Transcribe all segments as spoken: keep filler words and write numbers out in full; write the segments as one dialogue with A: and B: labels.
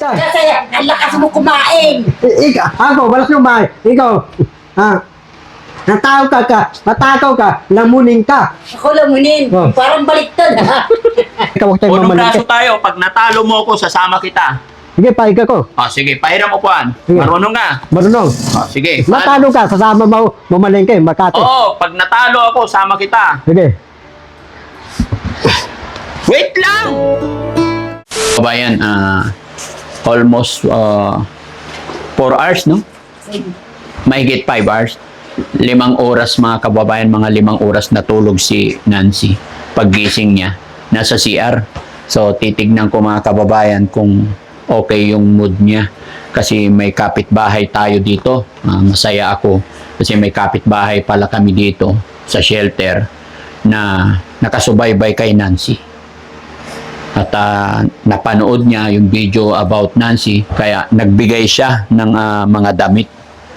A: ka.
B: Kasi ang lakas mo kumain.
A: I- ikaw, ako, walang kumain. Ikaw, ha? Natakaw ka ka, natakaw ka, lamunin ka.
B: Ako lamunin.
A: Oh.
B: Parang baliktad ha.
A: Ikaw huwag tayong
C: Unong
A: mamalaki.
C: kaso tayo, pag natalo mo ako, sasama kita.
A: Sige, pahiga ko.
C: O, sige, pahiram upuan.
A: Sige.
C: Marunong ka.
A: Marunong.
C: O, sige.
A: Matalo ka, sasama mo, mamalengke, Makati.
C: Oo, pag natalo ako, sama kita.
A: Sige.
C: Wait lang! Kabayan, ah, almost uh, four hours, no? Mahigit five hours. Limang oras, mga kababayan, mga limang oras natulog si Nancy. Paggising niya, nasa C R. So, titignan ko, mga kababayan, kung okay yung mood niya. Kasi may kapitbahay tayo dito. Ah, masaya ako. Kasi may kapitbahay pala kami dito sa shelter na nakasubaybay kay Nancy. At uh, napanood niya yung video about Nancy, kaya nagbigay siya ng uh, mga damit.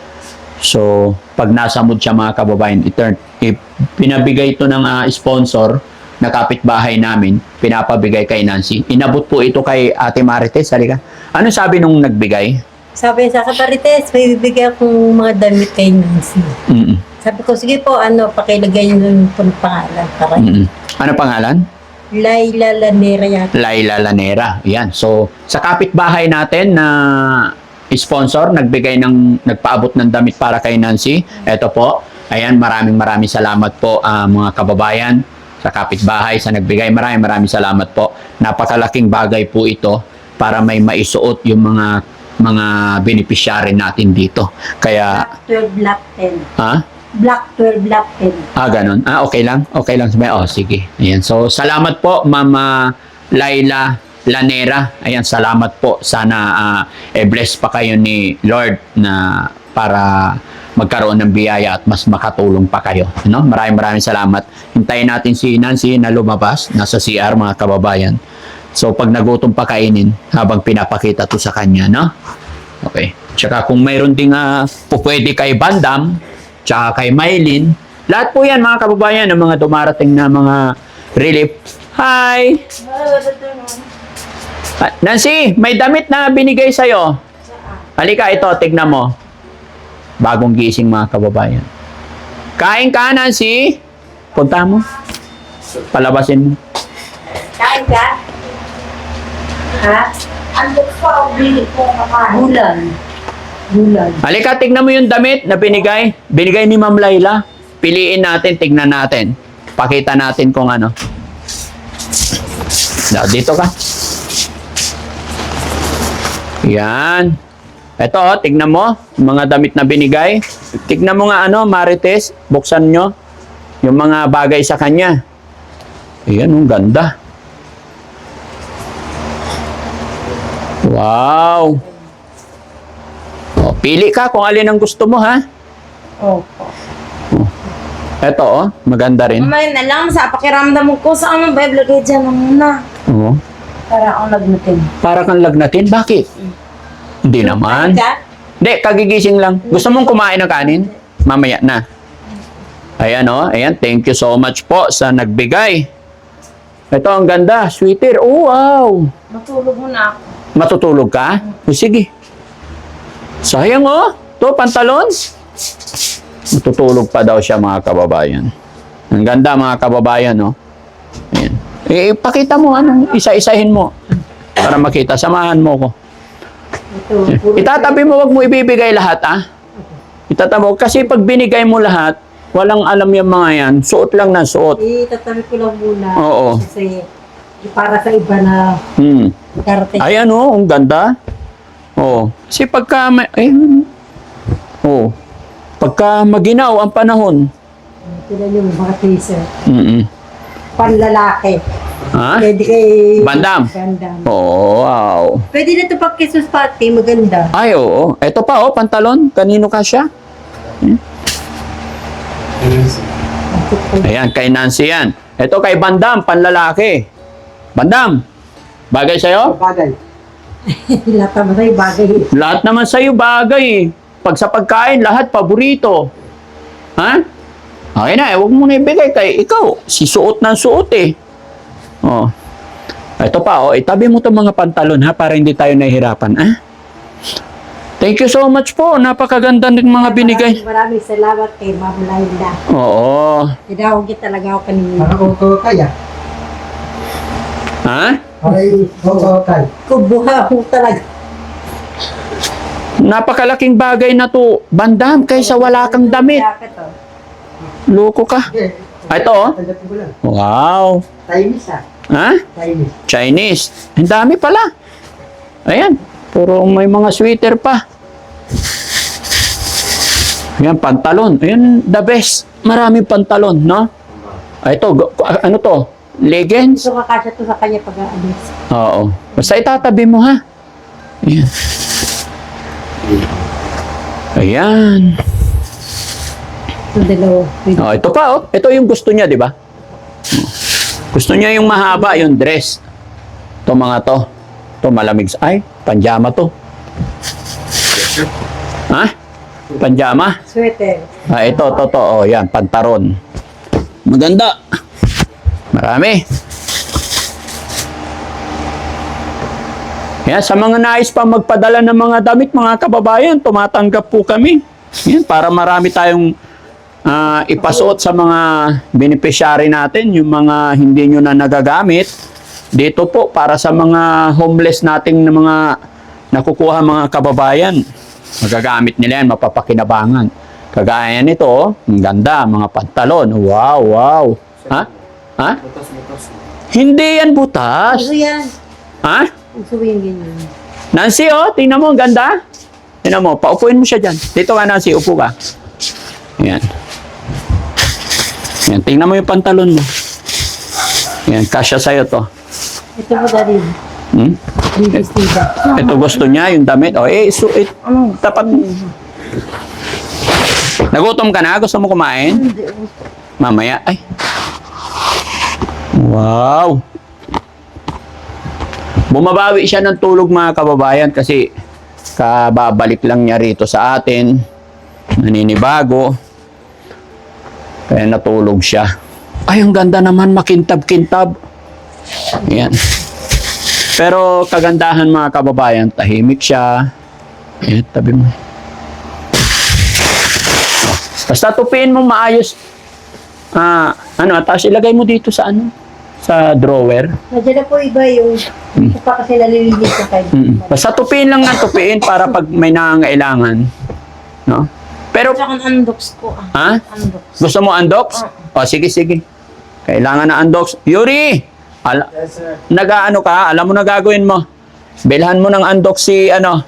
C: So, pag nasa mood siya, mga kababayan, iturn, pinabigay ito ng uh, sponsor na kapitbahay namin, pinapabigay kay Nancy. Inabot po ito kay Ate Marites. Halika. Ano sabi nung nagbigay?
B: Sabi sa Kaparites, may bibigyan akong mga damit kay Nancy.
C: Mm-mm.
B: Sabi ko, sige po, ano, pakilagay niyo yung pong pangalan. Para
C: Mm-mm. Ano pangalan?
B: Laila Lanera yata.
C: Laila Lanera. Yan. So, sa kapitbahay natin na sponsor, nagbigay ng, nagpaabot ng damit para kay Nancy. Ito po. Ayan, maraming maraming salamat po, uh, mga kababayan, sa kapitbahay, sa nagbigay. Maraming maraming salamat po. Napakalaking bagay po ito para may maisuot yung mga mga beneficiary natin dito. Kaya,
B: Black twelve, Black ten.
C: ha?
B: Black twelve, Black ten.
C: Ah, ganun. Ah, okay lang. Okay lang. Oh, sige. Ayan. So, salamat po, Mama Laila Lanera. Ayan, salamat po. Sana uh, e-bless pa kayo ni Lord na para magkaroon ng biyaya at mas makatulong pa kayo. No? Maraming maraming salamat. Hintayin natin si Nancy na lumabas. Nasa C R, mga kababayan. So, pag nagutom pa kainin, habang pinapakita to sa kanya, no? Okay. Tsaka kung mayroon ding uh, pupwede kay Bandam, tsaka kay Mylene, lahat po yan, mga kababayan, ng mga dumarating na mga relief. Hi! Ah, Nancy, may damit na binigay sa'yo. Halika, ito, tignan mo. Bagong gising, mga kababayan. Kain ka, Nancy. Punta mo. Palabasin mo.
B: Kain ka? Ha? Ano pa ang bili ko kakain? Bulan. Bulan.
C: Halika, tignan mo yung damit na binigay. Binigay ni Ma'am Laila. Piliin natin, tignan natin. Pakita natin kung ano. Dito ka. Yan. Ito, oh, tignan mo. Mga damit na binigay. Tignan mo nga ano, Marites. Buksan nyo. Yung mga bagay sa kanya. Ayan, ang ganda. Wow. Oh, pili ka kung alin ang gusto mo, ha?
B: Opo.
C: Ito, oh, maganda rin.
B: Mamaya na lang sa pakiramdam ko sa ano ba ilagay dyan mo muna.
C: Oo.
B: Para akong nagnatin.
C: Para kang lagnatin. Bakit? Hindi naman.
B: Ka?
C: Hindi, kagigising lang. Gusto mong kumain ng kanin? Mamaya na. Ayan, oh. Ayan, thank you so much po sa nagbigay. Ito, ang ganda. Sweater. Oh, wow.
B: Matulog muna ako.
C: Matutulog ka? O, sige. Sayang, oh. To, pantalon. Matutulog pa daw siya, mga kababayan. Ang ganda, mga kababayan, oh. Ayan. Eh, ipakita mo, ano, isa-isahin mo. Para makita. Samahan mo ko.
B: Ito, puro
C: Itatabi mo, wag mo ibibigay lahat, ah. Itatabi mo. Kasi pag binigay mo lahat, walang alam yung mga yan. Suot lang na suot.
B: itatabi ko lang muna.
C: Oo.
B: Kasi para sa iba na
C: Hmm.
B: karating.
C: Ayan, oh, ang ganda. Oh. Kasi pagka, may, eh, oh. Pagka maginaw ang panahon.
B: Ito na yung mga t-shirt.
C: Mm-mm.
B: Panlalaki.
C: Ha?
B: Pwede kay...
C: Bandam?
B: Bandam.
C: Oh, wow.
B: Pwede na ito pag Christmas party. Maganda.
C: Ay, oo. Ito pa, oh, pantalon. Kanino ka siya? Ayan, kay Nancy yan. Ito kay Bandam, panlalaki. Bandam, bagay sa'yo?
A: Bagay.
B: Lahat naman tayo bagay.
C: Lahat naman sa'yo bagay. Pag sa pagkain, lahat paborito. Ha? Okay na, eh, huwag mo na ibigay kay ikaw. Si suot ng suot eh. Oh. Ito pa, oh, itabi mo itong mga pantalon ha, para hindi tayo nahihirapan. Ah? Thank you so much po. Napakaganda ng mga binigay.
B: Maraming, maraming salamat kay Ma'am Laila.
C: Oo.
B: Tinawag talaga ako kanina.
A: Para ko ko kaya.
C: Ha?
A: Ay, ko ko kaya.
B: Kubuha mo talaga.
C: Napakalaking bagay na to, Bandam, kaysa wala kang damit.
B: Jacket, oh.
C: Loko ka. Ah, ito, oh.
A: Tanggapin ko lang.
C: Wow.
A: Chinese ah.
C: Ha?
A: Chinese.
C: Chinese. Ang dami pala. Ayan. Puro may mga sweater pa. Ayan, pantalon. Ayan, the best. Maraming pantalon, no? Ah, ito, go- ano to? Leggings?
B: Gusto kakasya to sa kanya pag-aalis.
C: Oo. Basta itatabi mo, ha? Ayan. Ayan.
B: Ito dalawa.
C: Oh, ito pa, oh. Ito yung gusto niya, di ba? Gusto niya yung mahaba, yung dress. Ito mga to. Ito malamig. Ay, panjama to. Ha? Panjama?
B: Sweater.
C: Ah, ito, to, to. Oh, yan, pantaron. Maganda. Marami. Yan, sa mga nais pa magpadala ng mga damit, mga kababayan, tumatanggap po kami. Yan, para marami tayong ah, ipasuot sa mga beneficiary natin, yung mga hindi nyo na nagagamit. Dito po, para sa mga homeless nating na mga nakukuha mga kababayan. Magagamit nila yan, mapapakinabangan. Kagaya nito, oh, ang ganda, mga pantalon. Wow, wow. Ha? Ha? Hindi yan butas.
B: Uso yan.
C: Ha?
B: Uso yung ganyan.
C: Nancy, oh, tingnan mo, ang ganda. Tingnan mo, paupuin mo siya dyan. Dito ka, Nancy, upo ka. Yan. Yan, tingnan mo yung pantalon mo. Yan, kasya sa'yo to.
B: Ito po dali.
C: Hmm?
B: Baby Steve.
C: Ito gusto niya, yung damit. O, eh, so, eh, ano, dapat... Nagutom ka na? Gusto mo kumain?
B: Hindi.
C: Mamaya, ay. Wow. Bumabawi siya ng tulog mga kababayan kasi kababalik lang niya rito sa atin. Naninibago. Kaya natulog siya. Ay, ang ganda naman, makintab-kintab. Ayan. Pero kagandahan mga kababayan, tahimik siya. Ayan, tabi mo. Basta tupiin mo maayos. Ah, ano, tapos ilagay mo dito sa ano? Sa drawer.
B: Nandiyan na po iba yung ito pa kasi nalilinis ko kayo.
C: Mm. Basta tupiin lang ng tupiin para pag may nangangailangan. No? Pero,
B: Tsaka ang undox ko.
C: ha?
B: Ah. Undox.
C: Gusto mo undox? O, sige, sige. Kailangan na undox. Yuri! Ala,
A: Yes, sir.
C: nag-ano ka? Alam mo na gagawin mo. Bilhan mo ng undox si, ano,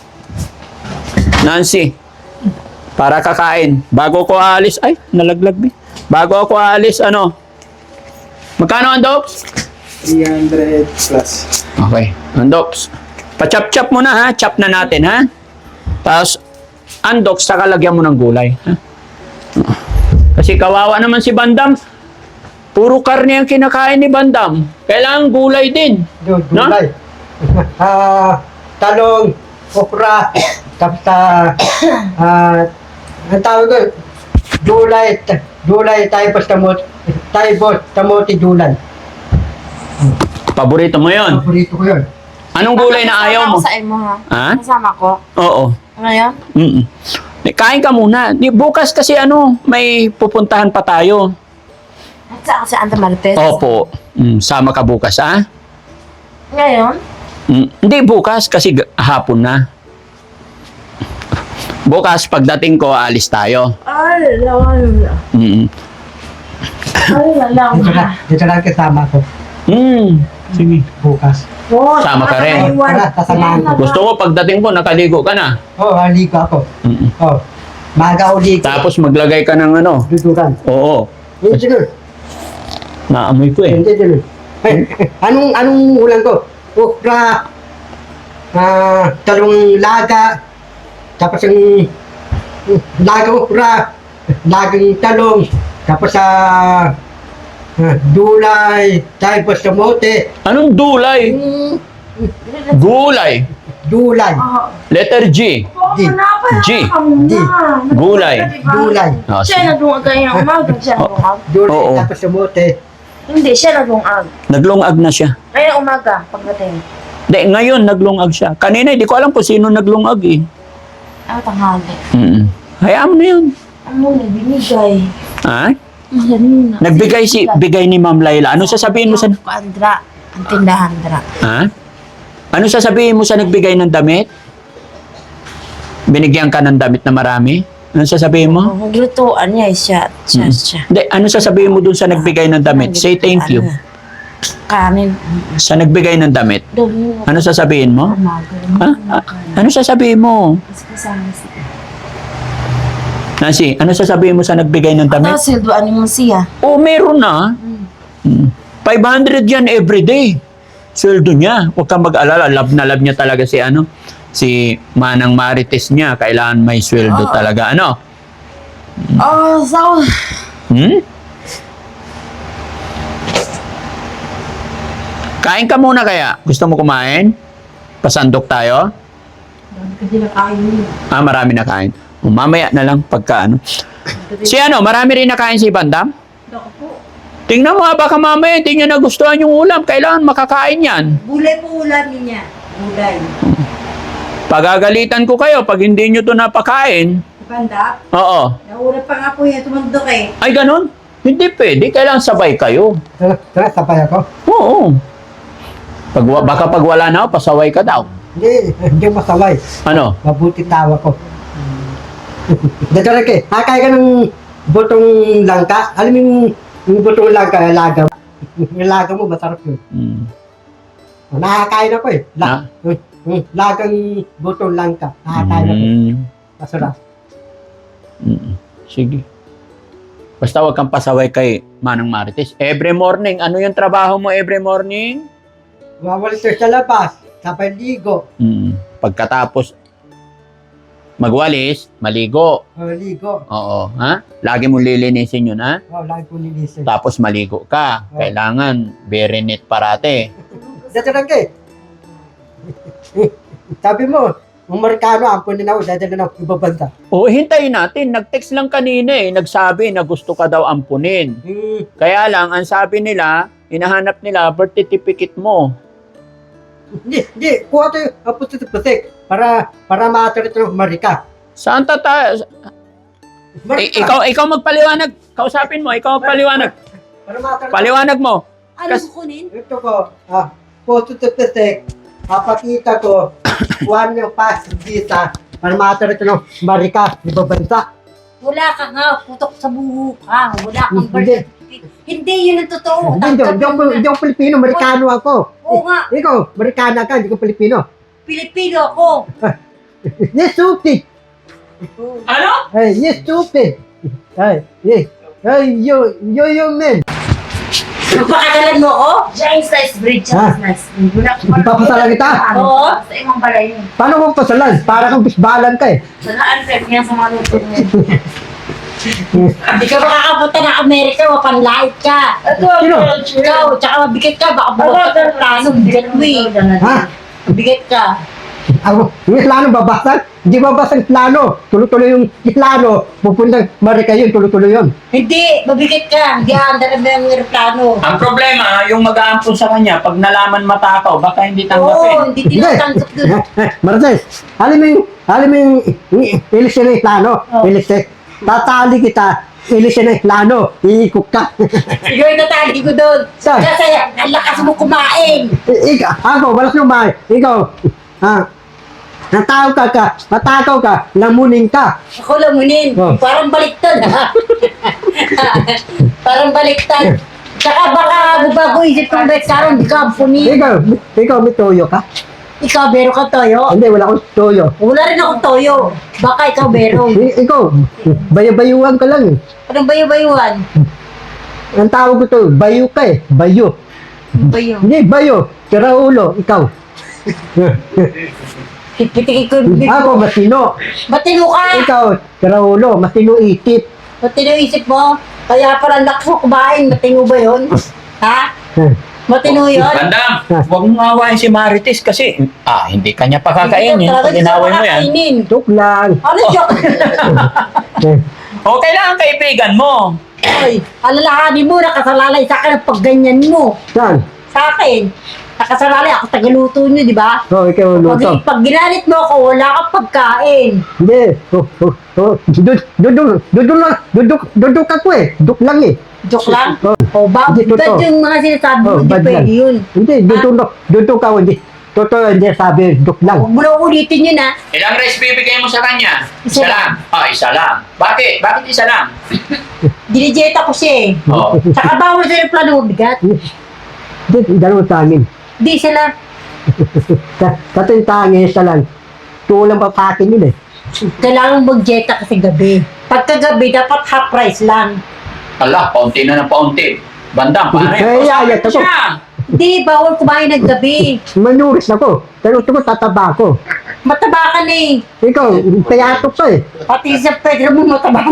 C: Nancy. Para kakain. Bago ko aalis, ay, nalaglag ba? Bago ako aalis, ano? Magkano undox?
D: three hundred plus.
C: Okay. Undox. Pa-chop-chop mo na, ha? Chop na natin, ha? Tapos, undox, saka lagyan mo ng gulay. Ha? Kasi kawawa naman si Bandam. Puro karne ang kinakain ni Bandam. Kailangan gulay din.
A: Do,
C: No?
A: dulay. Ah, talong, okra, tapos ah, ah, ang tawag ko, dulay, ta- dulay, tayo tamot, tayo tamote dulay.
C: Paborito mo yon.
A: Paborito ko yun.
C: Anong gulay na ayaw mo?
E: Kasama ko sa imo, ha?
C: Ha?
E: Kasama ko.
C: Oo.
E: Ano yan?
C: Mm-mm. Eh, kain ka muna. Di, bukas kasi ano, may pupuntahan pa tayo.
E: At saan kasi Anta Marites?
C: Opo. Mm, sama ka bukas, ha?
E: Ngayon?
C: Mm, hindi bukas kasi g- hapon na. Bukas pagdating ko alis tayo.
E: Ay, lawan.
C: Mm.
E: Ay, lawan.
A: Dito na, dito lang kasama ko
C: Mm. Sige.
A: bukas.
E: Oh,
C: Sama ka rin.
A: Para sasamahan ko.
C: Gusto ko pagdating ko nakaligo ka na.
A: Oh, haligo ako.
C: Mm.
A: Oh, maga uli ko.
C: Tapos maglagay ka ng ano.
A: Duduran.
C: Oo.
A: Hindi dun.
C: Naamoy ko eh.
A: Hindi dun. Eh, anong, anong ulam ko? Okra, ah, talong laga, tapos yung yung laga okra, lagang talong, tapos sa ah, dulay, tapos samote,
C: Anong dulay?
A: mm,
C: Gulay.
A: dulay,
C: Letter G.
A: Di.
C: G.
A: Di.
C: Gulay.
A: dulay,
C: Oh,
E: Siya
C: sige.
E: na doon kayo ng umaga. Siya
C: Oh.
E: na
A: dulay,
C: Oo.
A: tapos samote,
E: Hindi, siya nagungag.
C: Naglungag na siya.
E: Kaya umaga, pagdating.
C: Di, ngayon naglungag siya. Kanina, hindi ko alam kung sino naglungag eh.
E: Ano, tanghali.
C: Mm. Hayaan mo na yun.
E: Ano, binigay.
C: Ha?
E: Ano na?
C: Nagbigay si, bigay ni Ma'am Laila. Ano sasabihin mo sa...
E: Andra. Ang tindahan, Andra.
C: Ha? Ano sasabihin mo sa nagbigay ng damit? Binigyan ka ng damit na marami? Ano sasabihin mo?
E: Ang lutuan niya, siya. Siya,
C: Mm.
E: siya.
C: Hindi, ano sasabihin mo dun sa nagbigay ng damit? Say thank you.
E: Kanin.
C: Sa nagbigay ng damit.
E: Doon.
C: Ano sasabihin mo?
E: Umaga.
C: Ha? Ah, ano sasabihin mo?
E: Kasama siya.
C: Nancy, ano sasabihin mo sa nagbigay ng damit?
E: Tapos, silduan mo siya.
C: Oh, meron na. Mm. five hundred yan everyday. Sweldo niya. Huwag kang mag-alala. Love na love niya talaga si ano, si Manang Marites niya. Kailangan may sweldo
E: Oo.
C: talaga. Ano?
E: Oh, so...
C: Hmm? Kain ka muna kaya. Gusto mo kumain? Pasandok tayo?
B: Kasi nakain yun.
C: Ah, marami na kain. O, mamaya na lang pagka ano. Si ano, marami rin nakain si Bandam?
B: Dako po.
C: Tingnan mo nga, baka mamaya hindi niya nagustuhan yung ulam. Kailangan makakain yan.
B: Gulay po ulam niya. Gulay.
C: Pagagalitan ko kayo pag hindi nyo to napakain.
B: Banda,
C: Oo.
B: nauna pa nga po yan, tumandok eh.
C: Ay, ganun? Hindi pwede. Kailangan sabay kayo.
A: Tara, tara, sabay ako.
C: Oo. Pag, wa- baka pag wala na ako, pasaway ka daw.
A: Hindi, hindi masaway.
C: Ano?
A: Mabuti tawa ko. Dito rin kay, hakay ka ng butong langka. Alam mo yung, yung butong langka, laga. Yung laga mo, masarap yun.
C: Mm.
A: Nakakain ako eh. La,
C: Ha?
A: yung lagang butong langka. Nakakain ako.
C: Mm.
A: Masarap.
C: Mm. Sige. Basta wag kang pasaway kay Manang Marites. Every morning, ano yung trabaho mo every morning?
A: Mawalis sa labas, sabay ligo.
C: Mm. Pagkatapos magwalis, maligo.
A: O, ligo.
C: Oo, ha? Lagi mo lilinisin yun, ha?
A: O, lagi ko nilisin.
C: Tapos maligo ka.
A: Oh.
C: Kailangan very neat parate.
A: Dito rin kay. Sabi mo, Amerikano, ampunin ako, dadalhin ako ibang bansa.
C: O, hintayin natin. Nag-text lang kanina eh. Nagsabi na gusto ka daw ampunin.
A: Hmm,
C: Kaya lang, ang sabi nila, hinahanap nila birth certificate mo.
A: Hindi, hindi. Kuha tayo ang pusit-pusit para, para maatarit ng Marika.
C: Saan tata... I- ikaw, ikaw magpaliwanag. Kausapin mo, ikaw magpaliwanag.
A: Para maatarit.
C: Paliwanag mo.
B: Ano
C: Kas-
B: kukunin?
A: Ito ko, ah, pusit-pusit. Papakita ko, kuha niyo pass visa para maatarit ng Marika, ibang bansa.
B: Wala ka nga, putok sa buho ka. Wala kang birth
A: Hindi.
B: certificate. Hindi, yun ang totoo.
A: Hindi, hindi, hindi, ako, hindi ako Pilipino, Amerikano ako.
B: Oo nga,
A: Ikaw, Amerikana ka, hindi ko Pilipino.
B: Pilipino ako.
A: Yes, stupid.
C: Ano?
A: Hey, yes, stupid. Hey, yes. Hey, you, you, you man.
B: Napakagalan mo ako?
E: Siya yung slice bridge.
A: Ha?
E: Slice bridge.
A: Ipapasalan kita?
B: Oo.
E: Sa imong balay yun.
A: Paano mo pasalan? Para kang bisbalan ka eh.
E: Saan prep niya sa mga luto niya.
B: Hindi ka makakapunta ng Amerika, mapanlait ka.
A: Sino?
B: Ikaw, tsaka mabigat ka, baka bukas ka ng plano, bigat mo eh.
A: Ha?
B: Bigat ka.
A: Ako, yung plano babasag? Hindi babasag plano. Tuloy-tuloy yung plano. Pupuntang Marika yun, tuloy-tuloy yun.
B: Hindi, mabigat ka. Hindi aandar na yung aeroplano.
C: Ang problema, yung mag-aampun sa kanya, pag nalaman matakaw, baka hindi
B: Oo,
C: tanggapin.
B: hindi tinatanggap dun.
A: Martes, alam mo yung, alam mo yung, ilis na yung plano.
B: Oh.
A: Ilis na. Tatali kita, ilis na yung plano. Iikot ka.
B: Ikaw yung natali ko dun.
A: Saan?
B: Kasi ang lakas mo kumain.
A: Ikaw, ako, walas yung bahay. Ikaw, ha? Natakaw ka ka, matakaw ka, lamunin ka.
B: Ako lamunin.
A: Oh.
B: Parang baliktad ha. Parang baliktad. Tsaka baka bago isip kong bet karon di ka ampunin.
A: Ikaw, ikaw may toyo ka?
B: Ikaw, bero ka toyo.
A: Hindi, wala akong toyo.
B: Wala rin akong toyo. Baka ikaw, bero.
A: I- ikaw, bayo-bayuan ka lang eh.
B: Anong bayo-bayuan?
A: Ang tawag ko to, bayo ka eh. Bayo.
B: Bayo.
A: Hindi, bayo. Tira ulo, ikaw.
B: Pitikik ko yung bibig
A: Ako,
B: mo.
A: matino.
B: Matino ka!
A: Ikaw, tira ulo, matino itip.
B: Matino yung isip mo? Kaya pala lakas mo kumain. Matino ba yun? Ha? Matino yun?
C: Bandam, huwag mong awayin si Marites kasi ah, hindi kanya pakakainin
B: Hindi ka
C: pag
B: talaga
C: inaway mo yan.
B: makakainin.
A: Joke lang.
B: Ano joke?
A: Eh,
C: O, kailangan kaibigan mo.
B: Ay, alalahanin mo, nakasalalay sa akin ang pagganyan mo.
A: Saan?
B: Sa akin. Nakasalalay ako tagaluto nyo, di ba?
A: Oh, ikaw
B: Pag,
A: luto.
B: pag ginalit mo ako, wala kang pagkain.
A: Hindi. Oh, oh, oh. Duduk, duduk, duduk lang. Duduk, duduk ako eh. Duduk lang eh.
B: Joke lang?
A: Oh.
B: O ba?
A: Hindi,
B: Bad
A: totoo.
B: yung mga sinasabi mo,
A: Oh,
B: hindi
A: bad
B: pwede
A: lang.
B: yun.
A: Hindi, duduk, duduk ako. Hindi. Totoo, hindi sabi, duduk lang.
B: Huwag mo na ulitin yun, ha?
C: Ilang rice bibigay mo sa kanya?
B: Isa lang.
C: Ah, isa lang. Bakit? Bakit isa lang?
B: Dinijeta ko siya eh.
C: Oh.
B: Saka bawal sa yung plano mabigat.
A: Hindi, dalawa sa amin.
B: Di sila.
A: Kato yung tangi, isa lang. Tulang pa sa akin yun eh.
B: Kailangan mag-jeta kasi gabi. Pagkagabi, dapat half price lang.
C: Ala, paunti na ng paunti. Bandang, pare.
A: Kaya,
C: Kausapin
A: yaya,
C: mo
A: ako.
C: siya.
B: Hindi, bawal kumain ng gabi.
A: Manuris ako. Pero ito ko tataba ko.
B: Mataba ka na eh.
A: Ikaw, payatok ka eh.
B: Pati sa Pedro mo mataba na.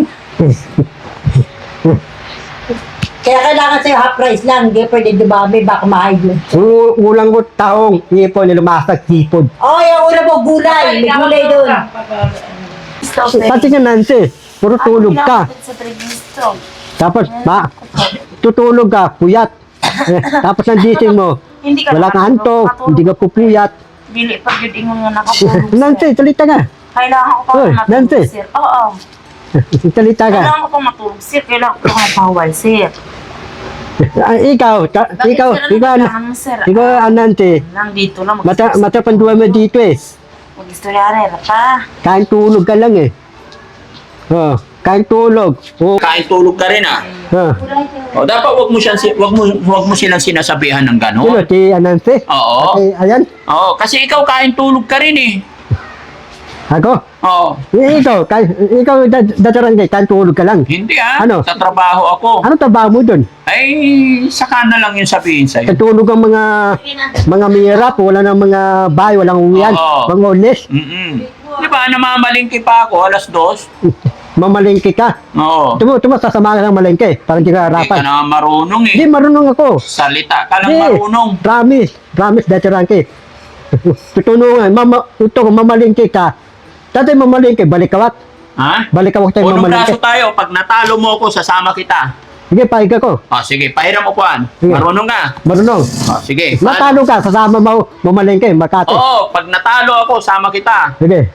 B: Kaya kailangan sa'yo half price lang. Hindi pwede dumami, baka ma-high blood.
A: U- ulang ko taong ipon na lumasag sipod.
B: Oh, yung una mo, gulay. May gulay doon.
A: Pati nga Nancy, puro tulog ka.
E: Sa trading store.
A: Tapos, ma, tutulog ka, puyat. Eh, tapos ang gising mo,
E: Hindi ka
A: wala kang antok, hindi ka pupuyat.
E: Dili pag yun ingon nga nakatulog, sir.
A: Nancy, salita nga.
E: Kailangan ko pa
A: Hoy,
E: matulog,
A: Nancy.
E: sir. Oo.
A: Salita ka.
E: Kailangan ko pa matulog, sir. Kailangan ko pa mapawal, sir.
A: Ah, ikaw, ta,
E: Bakit
A: ikaw,
E: sir, ano
A: ikaw,
E: kailangan mo, sir?
A: ikaw, ah, Nancy.
E: Lang dito lang.
A: Mata, mata panduwa mo dito eh.
E: Mag-istoryare pa.
A: Kain tulog ka lang eh. Oh, kain tulog. Oh,
C: Kain tulog ka rin ah.
A: ah.
C: O, dapat wag mo siyang si- wag mo wag mo silang sinasabihan ng
A: Sino,
C: gano'n.
A: si Nancy?
C: Oo.
A: Ay, ayan,
C: Oo, kasi ikaw kain tulog ka rin eh.
A: ako.
C: Oo.
A: Eh, ikaw, kain, ikaw, dad- dadarangay, kain tulog ka lang.
C: Hindi ah.
A: Ano?
C: Sa trabaho ako.
A: Ano trabaho mo dun?
C: Ay, saka na lang yung sabihin sa'yo.
A: Katulog ang mga mga mirap, wala nang mga bahay, walang uwian,
C: Oo.
A: mga ulis.
C: Mm-mm. Di ba, namamalingki pa ako, alas dos?
A: Mamalengke ka.
C: Oo.
A: Tumo, tumo, sasama ka ng malengke, para hindi ka
C: Hindi ka
A: harapan.
C: na marunong eh.
A: Hindi, marunong ako.
C: Salita ka lang
A: Hindi,
C: marunong.
A: promise, promise, dati rangke. Tutulungan, mama, ito, mamalengke ka. Dati mamalengke, balik kawat.
C: Ha?
A: Balik kawat tayo
C: Unong
A: mamalengke.
C: braso tayo, pag natalo mo ako, sasama kita.
A: Sige, pahiga ko.
C: O, sige, pahiram mo puan.
A: Sige.
C: Marunong ka.
A: Marunong.
C: O, sige.
A: Matalo ka, sasama mo, mamalengke, Makati.
C: Oo, pag natalo ako, sama kita.
A: Sige.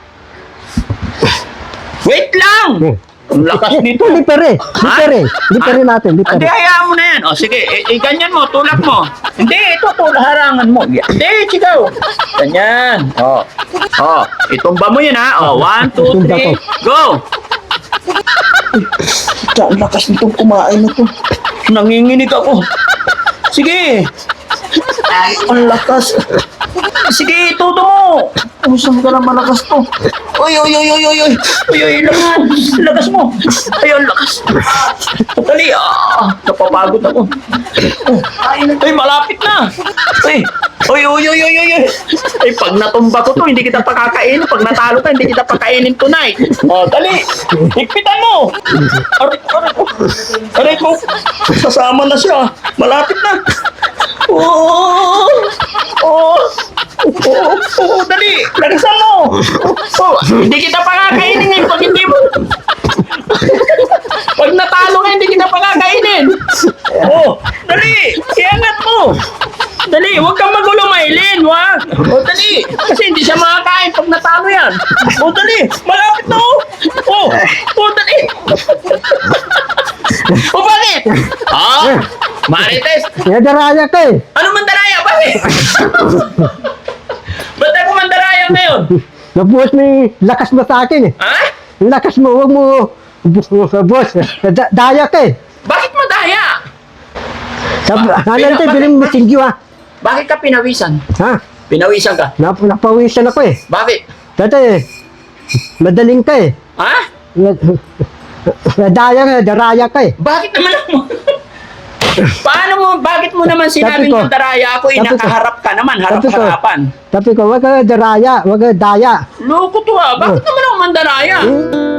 C: Wait lang!
A: Sige.
C: Ang lakas nito.
A: Ito, lipere.
C: Ha?
A: Lipere. Lipere
C: Ha?
A: natin,
C: Hindi,
A: lipere.
C: hayaan mo na yan. O, sige, i- i- ganyan mo, tulak mo. Hindi, ito, tulak, harangan mo. Hindi, sigaw. Ganyan. O, o, itumba mo yun, ha? O, one, two,
A: Itumba
C: three, go! Ito, ang lakas nitong kumain na to. Nanginginig ako. Sige. Ang lakas. Sige, todo mo. Kung saan ka na malakas to. Oy, oy, oy, oy, oy, oy. Oy, oy, lakas. Lakas mo. Ay, ang lakas. Dali, ah. Napapagod ako. Ay, malapit na. Ay, oy, oy, oy, oy, oy, oy. Ay, pag natumba ko to, hindi kita pakakainin. Pag natalo ka, hindi kita pakainin tonight. Oh, dali. Higpitan mo. Aray, aray ko. Aray ko. Sasama na siya. Malapit na. Oh, oh, oh, oh, dali. Lagasan mo. Oh, hindi kita pakakainin eh. Pag hindi mo. Pag natalo ka, hindi kita pakakainin. Oh, dali. Iangat mo. Dali, huwag kang magulo, Maylin, wag. O, dali. Kasi hindi siya makakain pag natalo yan. O, dali. Malapit na, oh. O, o, dali. O, bakit? Ah, Marites.
A: Nadaraya ka eh.
C: Ano mandaraya? Bakit? Ba't ako mandaraya ngayon?
A: Nabuhos mo yung lakas mo sa akin eh.
C: Ha?
A: Yung lakas mo, huwag mo, boss, da- daya ka eh.
C: Bakit madaya?
A: Sabi,
C: Ba-
A: halan tayo,
C: bakit-
A: bilang mo singyo ha.
C: Bakit ka pinawisan?
A: Ha?
C: Pinawisan ka?
A: Nap napawisan ako eh.
C: Bakit?
A: Dati eh, madaling ka eh.
C: Ha?
A: Nadaya ka, daraya ka eh.
C: Bakit naman ako? Paano mo, bakit mo naman sinabing
A: Sabi ko-
C: mandaraya ako? Eh,
A: sabi ko-
C: nakaharap ka naman,
A: sabi ko-
C: harap-harapan.
A: Sabi ko, wag ka daraya, wag ka daya.
C: Loko to ah, bakit naman ako mandaraya?
A: Eh,